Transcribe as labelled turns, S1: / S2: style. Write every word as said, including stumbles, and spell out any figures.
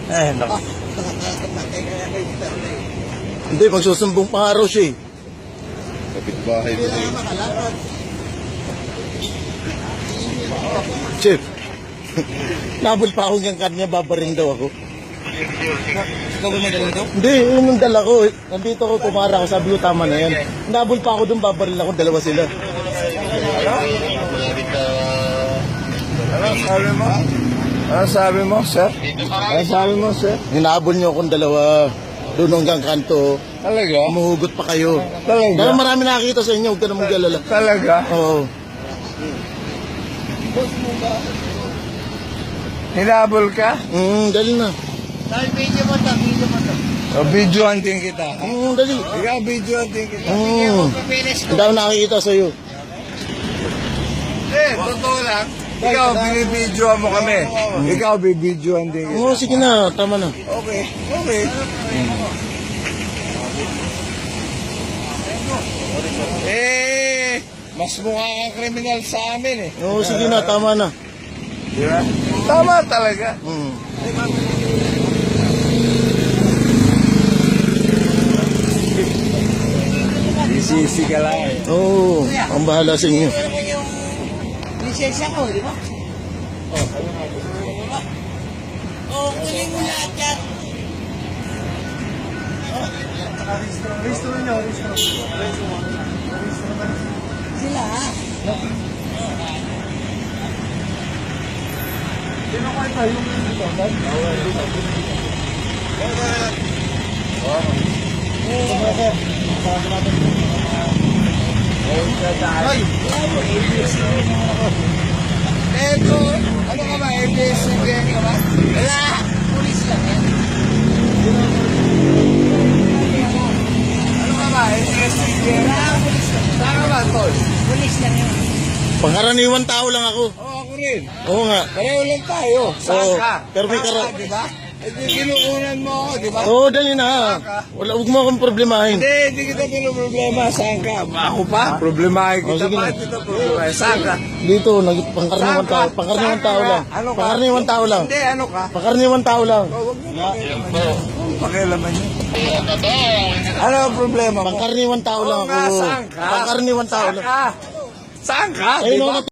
S1: Eh, naku.
S2: Hindi, magsusumbong pa nga raw siya eh.
S3: Kapitbahay mo eh.
S2: Chef, nabol pa ako ng kanya, babaring daw ako.
S1: Ikaw ba may dala ito?
S2: Hindi, yun yung dala ko. eh. Nandito ako, pumara ako, sabi ko tama na yan. Nabol pa ako doon, babaril ako, dalawa sila.
S3: Ano sabi mo? Ano sabi mo, sir? Ano sabi mo, sir?
S2: Hinabol niyo akong dalawa. Doon hanggang kanto.
S3: Talaga?
S2: Umuhugot pa kayo.
S3: Talaga?
S2: Dahil marami nakakita sa inyo, huwag ka na mag-alala.
S3: Talaga?
S2: Oo.
S3: Hinabol ka?
S2: Mm, dali na.
S1: Video mo to, video mo to.
S3: O, video hunting kita.
S2: Mm, dali.
S3: Ikaw, video hunting kita.
S2: Mm. Ang dami nakakita sa'yo.
S3: Eh, totoo lang. Ikaw, binibidyoan mo kami. Ikaw, bibidyoan din kita.
S2: Oo, sige na, tama na.
S3: Okay, okay. Eh, mas mukha kang kriminal sa amin eh.
S2: Oo, sige na, tama na.
S3: Di ba? Tama talaga.
S2: Mm.
S3: Isisi ka lang eh.
S2: Oo, ang bahala sa inyo.
S1: Lisensya ko, di ba? Oh, kunin mo lahat yan. Sila ha?
S3: Eto, ano ka ba? A B S C B N ka ba?
S1: Wala! Pulis lang yan.
S3: Ano ka ba? A B S C B N? Saan ka ba, tol?
S1: Pulis lang yan.
S2: Pangkaraniwan tao lang ako.
S3: Oo, ako rin.
S2: Oo nga.
S3: Pareho lang tayo. Saan
S2: Oo,
S3: ka?
S2: pero may
S3: Saan
S2: kara-
S3: ka, di ba? Eh, di kinukunan mo ako, di ba?
S2: Oo, dali na. Wala, huwag mo akong problemahin.
S3: Hindi, hindi kita pinoproblema. Saan ka? Ako pa? Problemahin
S2: Oh,
S3: kita.
S2: sige na.
S3: Bakit kita problemahin? Saan ka?
S2: Dito, nag pangkaraniwan
S3: Saan ka?
S2: tao, pangkaraniwan
S3: Saan ka
S2: tao
S3: nga?
S2: lang.
S3: Ano ka?
S2: Pangkaraniwan tao lang.
S3: Hindi, ano ka?
S2: Pangkaraniwan tao lang.
S3: Oh, huwag mo pakialaman yun. Huwag pakialaman yun. Ano ang problema mo?
S2: Pangkaraniwan tao lang
S3: Oo nga,
S2: ako.
S3: saan ka?
S2: Pangkaraniwan tao
S3: Saan
S2: lang.
S3: ka? Saan ka?
S2: Ayun
S3: Di
S2: ako
S3: ba?
S2: na